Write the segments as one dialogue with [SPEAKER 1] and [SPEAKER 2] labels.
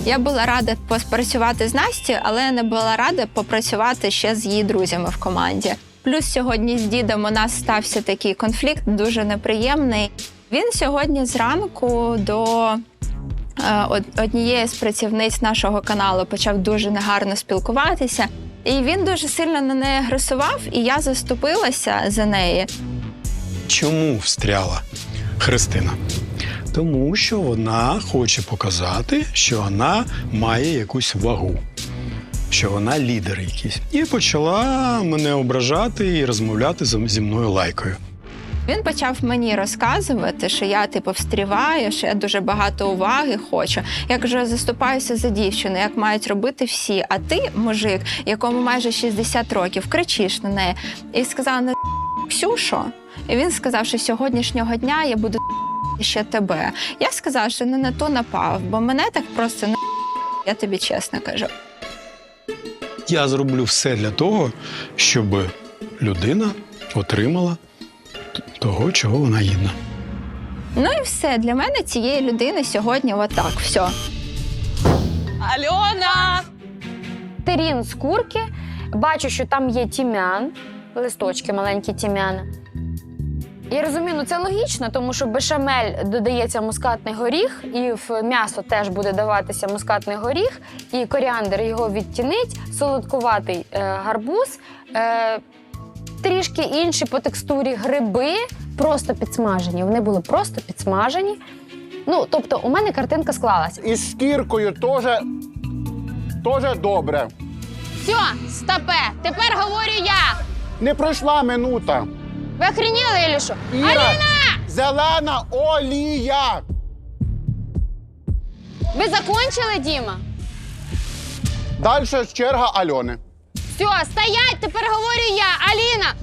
[SPEAKER 1] Я була рада поспрацювати з Настю, але не була рада попрацювати ще з її друзями в команді. Плюс сьогодні з дідом у нас стався такий конфлікт, дуже неприємний. Він сьогодні зранку до однієї з працівниць нашого каналу почав дуже негарно спілкуватися. І він дуже сильно на неї агресував, і я заступилася за неї.
[SPEAKER 2] Чому встряла Христина? Тому що вона хоче показати, що вона має якусь вагу, що вона лідер якийсь. І почала мене ображати і розмовляти зі мною лайкою.
[SPEAKER 1] Він почав мені розказувати, що я, встріваю, що я дуже багато уваги хочу. Я кажу, я заступаюся за дівчину, як мають робити всі. А ти, мужик, якому майже 60 років, кричиш на неї. І сказала, не Ксюшо. І він сказав, що сьогоднішнього дня я буду ще тебе. Я сказала, що не на то напав, бо мене так просто не я тобі чесно кажу.
[SPEAKER 2] Я зроблю все для того, щоб людина отримала того, чого вона гідна.
[SPEAKER 1] Ну і все. Для мене цієї людини сьогодні отак. Все.
[SPEAKER 3] Альона!
[SPEAKER 4] Терін з курки, бачу, що там є тім'ян, листочки маленькі тім'яна. Я розумію, це логічно, тому що в бешамель додається мускатний горіх, і в м'ясо теж буде даватися мускатний горіх, і коріандр його відтінить, солодкуватий гарбуз, трішки інші по текстурі гриби, просто підсмажені. Вони були просто підсмажені. Ну, тобто, у мене картинка склалась.
[SPEAKER 5] І з шкіркою теж добре.
[SPEAKER 4] Все, стопе, тепер говорю я.
[SPEAKER 5] Не пройшла минута.
[SPEAKER 4] Ви охреніли, Ілі що?
[SPEAKER 5] Іра,
[SPEAKER 4] Аліна!
[SPEAKER 5] зелена олія.
[SPEAKER 4] Ви закончили, Діма?
[SPEAKER 5] Далі черга Альони.
[SPEAKER 4] Все, стоять, тепер говорю я. Аліна!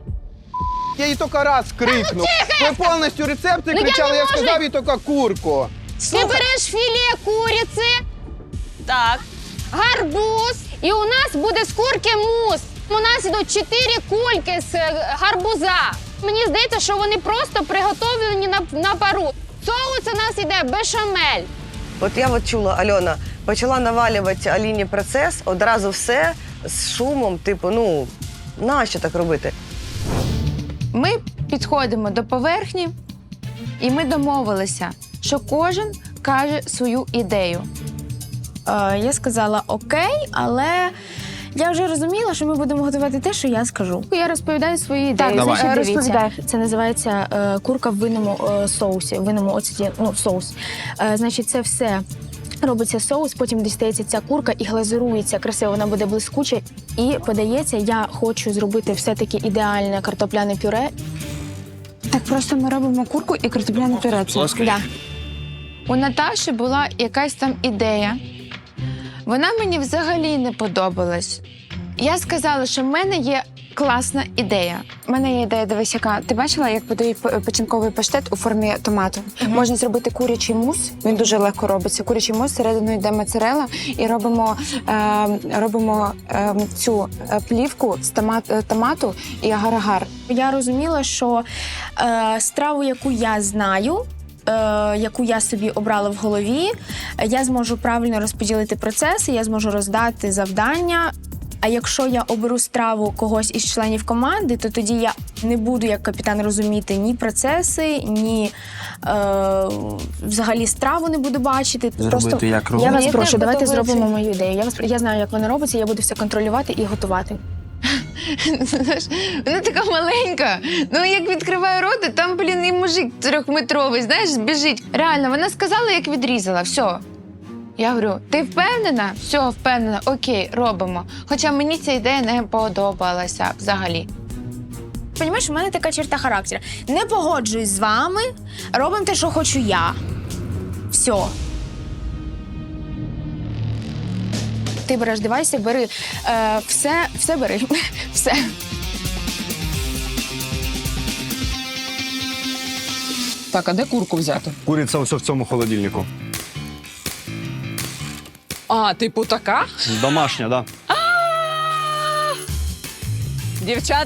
[SPEAKER 6] Я їй тільки раз крикнув. Ви повністю рецепти
[SPEAKER 4] Ну,
[SPEAKER 6] кричали, я
[SPEAKER 4] можу.
[SPEAKER 6] сказав їй тільки курку.
[SPEAKER 4] Ти береш філе куриці,
[SPEAKER 3] Так.
[SPEAKER 4] гарбуз, і у нас буде з курки мус. У нас ідуть 4 кульки з гарбуза. Мені здається, що вони просто приготовлені на пару. Соус у нас іде бешамель.
[SPEAKER 7] От я чула, Альона почала навалювати Аліні процес, одразу все з шумом, нащо так робити?
[SPEAKER 8] Ми підходимо до поверхні, і ми домовилися, що кожен каже свою ідею. Я сказала окей, але я вже розуміла, що ми будемо готувати те, що я скажу. Я розповідаю свої ідеї.
[SPEAKER 4] Так,
[SPEAKER 8] Значить,
[SPEAKER 4] розповідай.
[SPEAKER 8] Це називається курка в винному соусі, в винному оцеті, соус. Значить, це все робиться соус, потім дістається ця курка і глазурується красиво, вона буде блискуча і подається. Я хочу зробити все-таки ідеальне картопляне пюре. Так просто ми робимо курку і картопляне пюре. Да. У Наташі була якась там ідея. Вона мені взагалі не подобалась. Я сказала, що в мене є класна ідея. У мене є ідея, дивись, яка. Ти бачила, як подають печінковий паштет у формі томату? Можна зробити курячий мус, він дуже легко робиться. Курячий мус, всередину йде моцарелла, і робимо цю плівку з томату і агар-агар. Я розуміла, що страву, яку я знаю, яку я собі обрала в голові, я зможу правильно розподілити процеси, я зможу роздати завдання. А якщо я оберу страву когось із членів команди, то тоді я не буду як капітан розуміти ні процеси, ні взагалі страву не буду бачити.
[SPEAKER 9] Зробити як робити.
[SPEAKER 8] Я вас прошу, давайте зробимо мою ідею. Я знаю, як вона робиться, я буду все контролювати і готувати. Вона така маленька. Ну, як відкриває рота, там, і мужик 3-метровий, знаєш, біжить. Реально, вона сказала, як відрізала, все. Я говорю, ти впевнена? Все, впевнена, окей, робимо. Хоча мені ця ідея не подобалася взагалі. Понімаєш, у мене така черта характеру. Не погоджуюсь з вами, робимо те, що хочу я. Все. Ти береш девайси, бери все бери. Все.
[SPEAKER 3] Так, а де курку взяти?
[SPEAKER 6] Куриця ось в цьому холодильнику.
[SPEAKER 3] А, типу така?
[SPEAKER 6] Домашня, так. Да.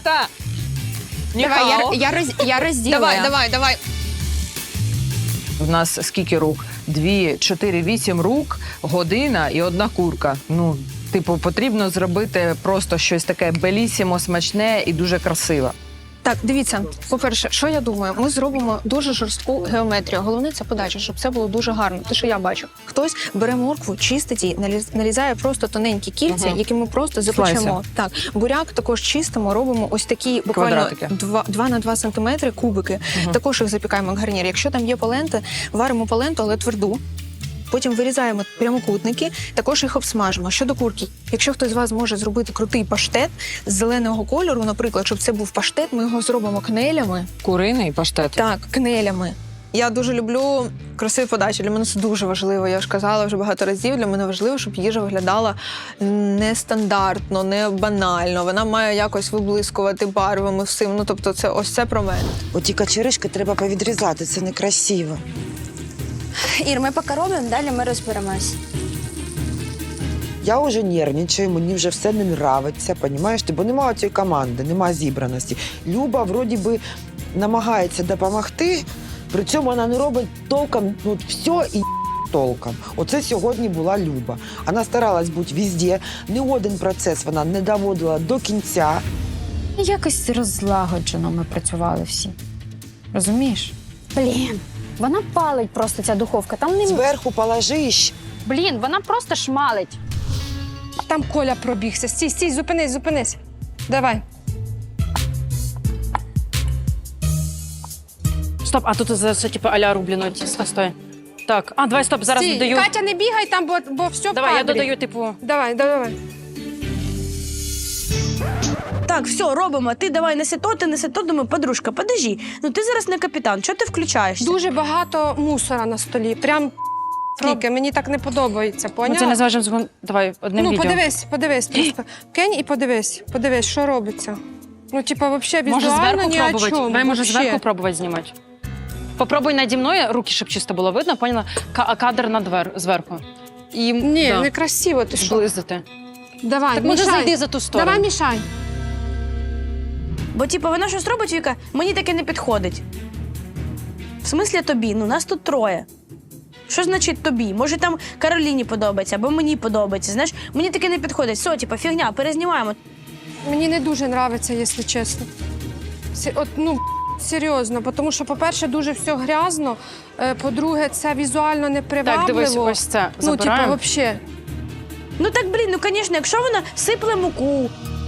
[SPEAKER 3] Дівчата!
[SPEAKER 8] Давай, я розділю.
[SPEAKER 3] Давай. нас скільки рук? 2, 4, 8 рук, година і одна курка. Ну, типу, потрібно зробити просто щось таке белісімо, смачне і дуже красиве.
[SPEAKER 8] Так, дивіться, по-перше, що я думаю, ми зробимо дуже жорстку геометрію. Головне це подача, щоб це було дуже гарно. Те, що я бачу. Хтось бере моркву, чистить її, нарізає просто тоненькі кільця, які ми просто запечемо.
[SPEAKER 3] Слайси.
[SPEAKER 8] Так, буряк також чистимо, робимо ось такі буквально
[SPEAKER 3] Квадратики.
[SPEAKER 8] 2 на 2 сантиметри кубики. Також їх запікаємо як гарнір. Якщо там є паленти, варимо паленту, але тверду. Потім вирізаємо прямокутники, також їх обсмажимо. Щодо курки, якщо хтось з вас може зробити крутий паштет з зеленого кольору, наприклад, щоб це був паштет, ми його зробимо кнелями.
[SPEAKER 3] Куриний паштет.
[SPEAKER 8] Так, кнелями. Я дуже люблю красиві подачі. Для мене це дуже важливо. Я ж казала вже багато разів. Для мене важливо, щоб їжа виглядала нестандартно, не банально. Вона має якось виблискувати барвами всім. Ну, тобто, це ось це про мене.
[SPEAKER 9] Оті качеришки треба повідрізати, це некрасиво.
[SPEAKER 10] Ір, ми поки робимо, далі ми розберемось.
[SPEAKER 9] Я вже нервничаю, мені вже все не нравиться, понімаєш ти? Бо немає цієї команди, немає зібраності. Люба вроді би намагається допомогти, при цьому вона не робить толком, ну, все і толком. Оце сьогодні була Люба. Вона старалась бути везде, не один процес вона не доводила до кінця.
[SPEAKER 4] Якось розлагоджено ми працювали всі. Розумієш?
[SPEAKER 10] Блін.
[SPEAKER 4] Вона палить просто ця духовка. Там не...
[SPEAKER 9] Зверху положиш.
[SPEAKER 4] Блін, вона просто шмалить.
[SPEAKER 11] Там Коля пробігся. Стій, зупинись. Давай.
[SPEAKER 12] Стоп, а тут це типу а-ля рублено. Стой. Так, давай, стоп, зараз
[SPEAKER 11] Стій,
[SPEAKER 12] додаю.
[SPEAKER 11] Катя, не бігай там, бо все в
[SPEAKER 12] Давай, я
[SPEAKER 11] кадрі.
[SPEAKER 12] додаю, типу.
[SPEAKER 11] Давай.
[SPEAKER 10] Так, все, робимо. Ти давай неси то, думаю, подружка, подожди. Ну ти зараз не капітан, чого ти включаєшся?
[SPEAKER 11] Дуже багато мусора на столі. Прям скільки, мені так не подобається,
[SPEAKER 12] Ми
[SPEAKER 11] поняла?
[SPEAKER 12] це не зважимо, давай, одним відео.
[SPEAKER 11] Подивись просто. Кинь і подивись, що робиться. Ну, типа, взагалі
[SPEAKER 12] Може
[SPEAKER 11] візуально
[SPEAKER 12] зверху
[SPEAKER 11] ні о
[SPEAKER 12] пробувати?
[SPEAKER 11] чому.
[SPEAKER 12] Давай, може
[SPEAKER 11] вообще.
[SPEAKER 12] зверху пробувати знімати. Попробуй наді мною, руки, щоб чисто було видно, поняла? Кадр зверху. І,
[SPEAKER 11] Ні,
[SPEAKER 12] да,
[SPEAKER 11] некрасиво, ти що?
[SPEAKER 12] зблизити.
[SPEAKER 11] Давай,
[SPEAKER 12] Так може
[SPEAKER 11] мішай.
[SPEAKER 12] зайди за ту сторону.
[SPEAKER 11] Давай, мішай.
[SPEAKER 10] Бо, типу, вона щось робить, Віка, мені таке не підходить. В смислі тобі? Ну, нас тут троє. Що значить тобі? Може, там Кароліні подобається, або мені подобається. Знаєш, мені таке не підходить. Все, типу, фігня, перезнімаємо.
[SPEAKER 11] Мені не дуже подобається, якщо чесно. Серйозно, тому що, по-перше, дуже все грязно, по-друге, це візуально непривабливо.
[SPEAKER 12] Так, дивись, ось це забираємо.
[SPEAKER 11] взагалі.
[SPEAKER 10] Ну так, блін, ну, звісно, якщо вона сипле муку,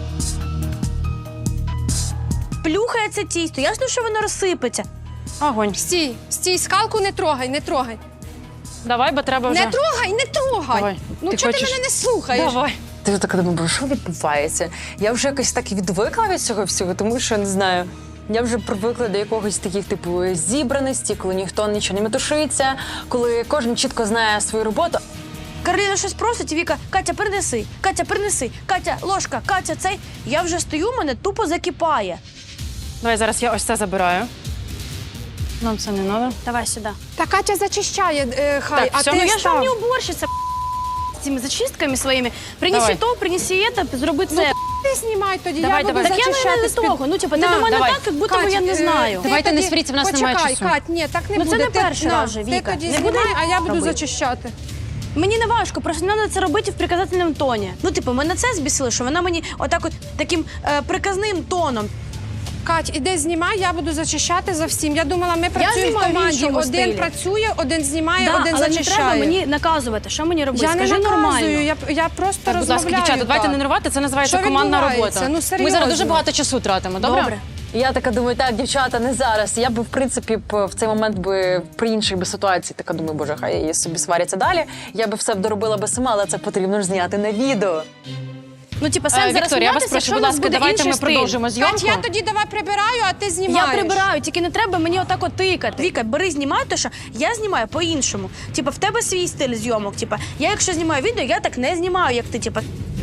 [SPEAKER 10] плюхає це тісто, ясно, що воно розсипеться.
[SPEAKER 12] Огонь.
[SPEAKER 11] Стій, скалку не трогай.
[SPEAKER 12] Давай, бо треба вже.
[SPEAKER 11] Не трогай.
[SPEAKER 12] Давай.
[SPEAKER 11] Ну,
[SPEAKER 12] Ти
[SPEAKER 11] чого ти
[SPEAKER 12] хочеш?
[SPEAKER 11] мене не слухаєш?
[SPEAKER 12] Давай.
[SPEAKER 3] Ти така думаю, що відбувається? Я вже якось так відвикла від цього всього, тому що, не знаю, я вже привикла до якогось таких, типу, зібраності, коли ніхто нічого не метушиться, коли кожен чітко знає свою роботу.
[SPEAKER 10] Кароліна щось просить, і Віка, Катя, принеси, Катя, ложка, Катя, цей. Я вже стою, мене тупо закипає.
[SPEAKER 12] Давай, зараз я ось це забираю. Нам це не треба.
[SPEAKER 10] Давай сюди.
[SPEAKER 11] Та Катя зачищає, хай,
[SPEAKER 12] Так, все,
[SPEAKER 11] а
[SPEAKER 12] ну
[SPEAKER 11] ти
[SPEAKER 10] Я ж
[SPEAKER 11] став.
[SPEAKER 10] вам не уборщиця, з цими зачистками своїми. Принеси
[SPEAKER 12] Давай.
[SPEAKER 10] то, принеси це, зроби це.
[SPEAKER 11] Ти знімай тоді,
[SPEAKER 12] Давай,
[SPEAKER 11] я буду
[SPEAKER 12] давай.
[SPEAKER 10] Так я
[SPEAKER 11] зачищати
[SPEAKER 10] не
[SPEAKER 11] з-під-
[SPEAKER 10] того. Ну, типу, ти
[SPEAKER 11] На,
[SPEAKER 10] до мене
[SPEAKER 12] давай.
[SPEAKER 10] так, як будто би я не знаю.
[SPEAKER 12] Давайте не
[SPEAKER 11] тоді-
[SPEAKER 12] сваріться, в нас немає
[SPEAKER 11] Почекай,
[SPEAKER 12] часу.
[SPEAKER 11] Кать, ні, так не
[SPEAKER 10] Ну,
[SPEAKER 11] буде.
[SPEAKER 10] це не
[SPEAKER 11] Ти-
[SPEAKER 10] перший
[SPEAKER 11] на,
[SPEAKER 10] раз же,
[SPEAKER 11] Ти
[SPEAKER 10] Віка.
[SPEAKER 11] тоді
[SPEAKER 10] Не буде
[SPEAKER 11] знімай, а я буду
[SPEAKER 10] робити.
[SPEAKER 11] зачищати.
[SPEAKER 10] Мені не важко, просто треба це робити в приказательному тоні. Ну, типу, мене це збісило, що вона мені отак от таким приказним тоном.
[SPEAKER 11] Кать, іди знімай, я буду зачищати за всім. Я думала, ми працюємо в
[SPEAKER 10] знімаю в
[SPEAKER 11] команді.
[SPEAKER 10] іншому
[SPEAKER 11] Один
[SPEAKER 10] стилі.
[SPEAKER 11] працює, один знімає,
[SPEAKER 10] Да,
[SPEAKER 11] один
[SPEAKER 10] але не
[SPEAKER 11] зачищає.
[SPEAKER 10] треба мені наказувати, що мені робити.
[SPEAKER 11] Я не
[SPEAKER 10] Скажи
[SPEAKER 11] наказую,
[SPEAKER 10] нормально.
[SPEAKER 11] я просто
[SPEAKER 12] Так, будь ласка,
[SPEAKER 11] розмовляю.
[SPEAKER 12] дівчата, давайте
[SPEAKER 11] так.
[SPEAKER 12] не нервувати, це називається
[SPEAKER 11] Що
[SPEAKER 12] командна
[SPEAKER 11] відбувається?
[SPEAKER 12] робота.
[SPEAKER 11] Ну,
[SPEAKER 12] Ми
[SPEAKER 11] серйозно.
[SPEAKER 12] зараз дуже багато часу тратимо, добре?
[SPEAKER 10] Добре.
[SPEAKER 3] Я така думаю, так, дівчата, не зараз. Я би, в принципі, в цей момент би при іншій би ситуації така думаю, боже, хай її собі сваряться далі. Я би все доробила би сама, але це потрібно ж зняти на відео.
[SPEAKER 10] Ну, типу, сенс зараз
[SPEAKER 12] Вікторія, я вас
[SPEAKER 10] сміятися,
[SPEAKER 12] прошу,
[SPEAKER 10] якщо
[SPEAKER 12] будь
[SPEAKER 10] у нас
[SPEAKER 12] ласка,
[SPEAKER 10] буде
[SPEAKER 12] давайте
[SPEAKER 10] інший
[SPEAKER 12] ми
[SPEAKER 10] стиль.
[SPEAKER 12] продовжимо зйомку.
[SPEAKER 11] Кать, я тоді давай прибираю, а ти
[SPEAKER 10] Я
[SPEAKER 11] знімаєш.
[SPEAKER 10] прибираю, тільки не треба мені отак от тикати. Віка, бери, знімай, то що я знімаю по-іншому. Типа, в тебе свій стиль зйомок. Типа, я якщо знімаю відео, я так не знімаю, як ти. Типа,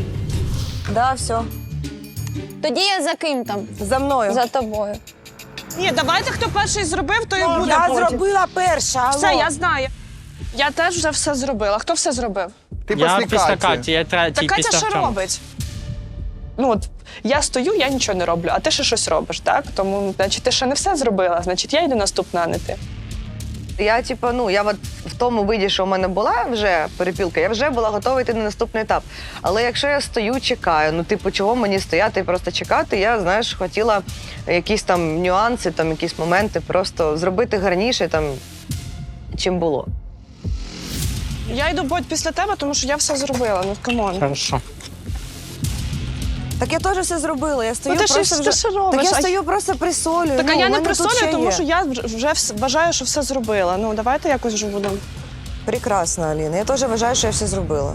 [SPEAKER 7] Да, все.
[SPEAKER 1] Тоді я за ким там?
[SPEAKER 7] За мною.
[SPEAKER 1] За тобою.
[SPEAKER 13] Ні, давайте, хто перший зробив, то і буде
[SPEAKER 9] Я
[SPEAKER 13] потім.
[SPEAKER 9] зробила перша, алло.
[SPEAKER 13] Все, я знаю. Я теж вже все зробила. Хто все зробив?
[SPEAKER 6] Ти після Каті.
[SPEAKER 14] я третій
[SPEAKER 13] Та Катя що робить? Ну от, я стою, я нічого не роблю, а ти ще щось робиш, так? Тому, значить, ти ще не все зробила, значить, я йду наступна, а не ти.
[SPEAKER 7] Я, я от в тому виді, що в мене була вже перепілка, я вже була готова йти на наступний етап. Але якщо я стою, чекаю, чого мені стояти і просто чекати, я, знаєш, хотіла якісь там нюанси, там якісь моменти просто зробити гарніше, чим було.
[SPEAKER 13] Я йду, Бодь, після тебе, тому що я все зробила. Ну, камон.
[SPEAKER 6] Хорошо.
[SPEAKER 7] Так я теж все зробила, я стою
[SPEAKER 13] Ну, ти
[SPEAKER 7] просто
[SPEAKER 13] ж робиш.
[SPEAKER 7] Так я
[SPEAKER 13] а
[SPEAKER 7] стою просто присолюю.
[SPEAKER 13] Так, а
[SPEAKER 7] у
[SPEAKER 13] я не
[SPEAKER 7] мене тут ще
[SPEAKER 13] присолюю, тому
[SPEAKER 7] є.
[SPEAKER 13] що я вже вважаю, що все зробила. Ну, давайте якось вже будемо.
[SPEAKER 7] Прекрасно, Аліна, я теж вважаю, що я все зробила.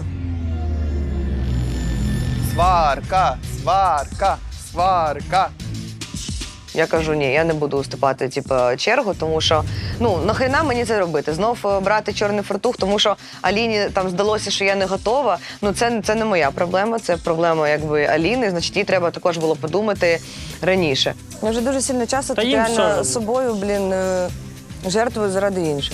[SPEAKER 6] Сварка, сварка, сварка.
[SPEAKER 7] Я кажу, ні, я не буду уступати чергу, тому що нахрена мені це робити? Знов брати чорний фартух, тому що Аліні там здалося, що я не готова. Це не моя проблема, це проблема Аліни, значить їй треба також було подумати раніше. Я вже дуже сильно часто
[SPEAKER 6] Та їм все одно.
[SPEAKER 7] собою, жертвую заради інших.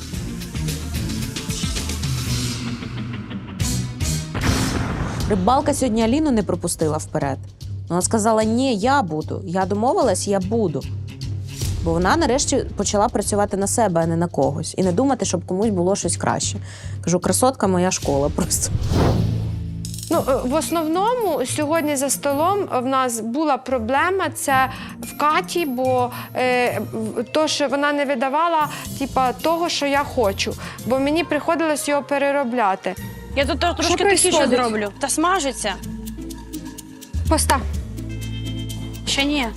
[SPEAKER 14] Рибалка сьогодні Аліну не пропустила вперед. Вона сказала, ні, я буду. Я домовилась, я буду. Бо вона нарешті почала працювати на себе, а не на когось. І не думати, щоб комусь було щось краще. Кажу, красотка моя школа просто.
[SPEAKER 11] В основному сьогодні за столом в нас була проблема це в Каті, бо то, що вона не видавала того, що я хочу, бо мені приходилось його переробляти.
[SPEAKER 10] Я тут трошки тихіше
[SPEAKER 11] происходить?
[SPEAKER 10] зроблю. Та смажиться.
[SPEAKER 11] Постав.
[SPEAKER 10] Ще ні.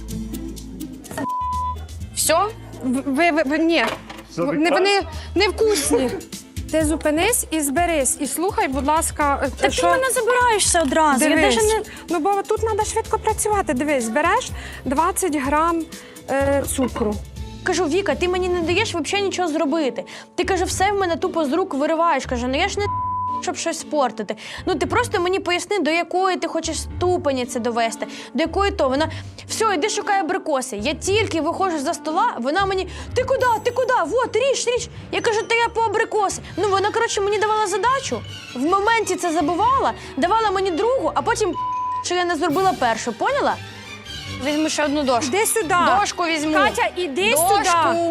[SPEAKER 10] Все?
[SPEAKER 11] Ні. Вони невкусні. Ти зупинись і зберись, і слухай, будь ласка,
[SPEAKER 10] Так ти мене забираєшся одразу. Я
[SPEAKER 11] Дивись.
[SPEAKER 10] навіть не...
[SPEAKER 11] Бо тут треба швидко працювати. Дивись, береш 20 грам цукру.
[SPEAKER 10] Кажу, Віка, ти мені не даєш взагалі нічого зробити. Ти, каже, все в мене тупо з рук вириваєш. Каже, я ж не щоб щось спортити. Ти просто мені поясни, до якої ти хочеш ступені це довести, до якої то. Вона, все, йди шукай абрикоси. Я тільки виходжу за стола, вона мені, ти куди? Вот, ріж. Я кажу, та я по абрикоси. Вона, мені давала задачу, в моменті це забувала, давала мені другу, а потім, що я не зробила першу, поняла? Візьму ще одну дошку.
[SPEAKER 11] Іди сюди.
[SPEAKER 10] Дошку візьму.
[SPEAKER 11] Катя, іди
[SPEAKER 10] Дошку.
[SPEAKER 11] сюди.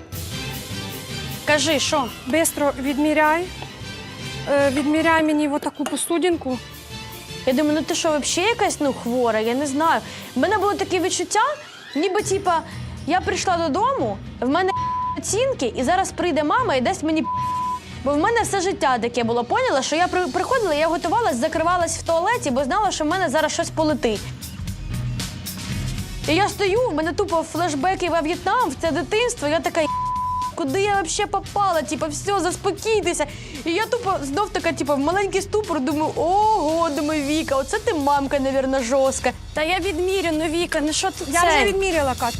[SPEAKER 10] Кажи, що?
[SPEAKER 11] Бистро відміряй. Відміряй мені таку посудинку.
[SPEAKER 10] Я думаю, ти що, взагалі якась хвора? Я не знаю. В мене було таке відчуття, ніби я прийшла додому, в мене оцінки, і зараз прийде мама і дасть мені. Бо в мене все життя таке було, поняла, що я приходила, я готувалась, закривалась в туалеті, бо знала, що в мене зараз щось полетить. І я стою, в мене тупо флешбеки во В'єтнам, в це дитинство, я така, куди я взагалі попала? Все, заспокійтеся. І я тупо знов така, в маленький ступор, думаю, ого, думаю, Віка, оце ти мамка, мабуть, жорстка. Та я відмірю, Віка, що це?
[SPEAKER 11] Я вже відміряла, Катя.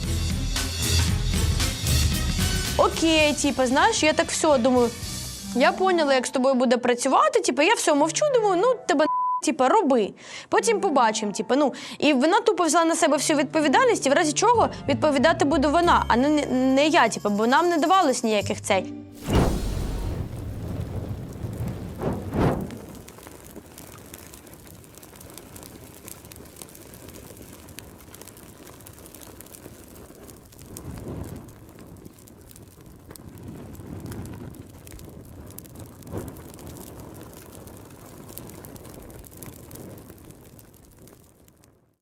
[SPEAKER 10] Окей, знаєш, я так все думаю, я поняла, як з тобою буде працювати, я все мовчу, думаю, тебе роби. Потім побачимо, І вона тупо взяла на себе всю відповідальність, і в разі чого відповідати буду вона, а не я, бо нам не давалось ніяких цей.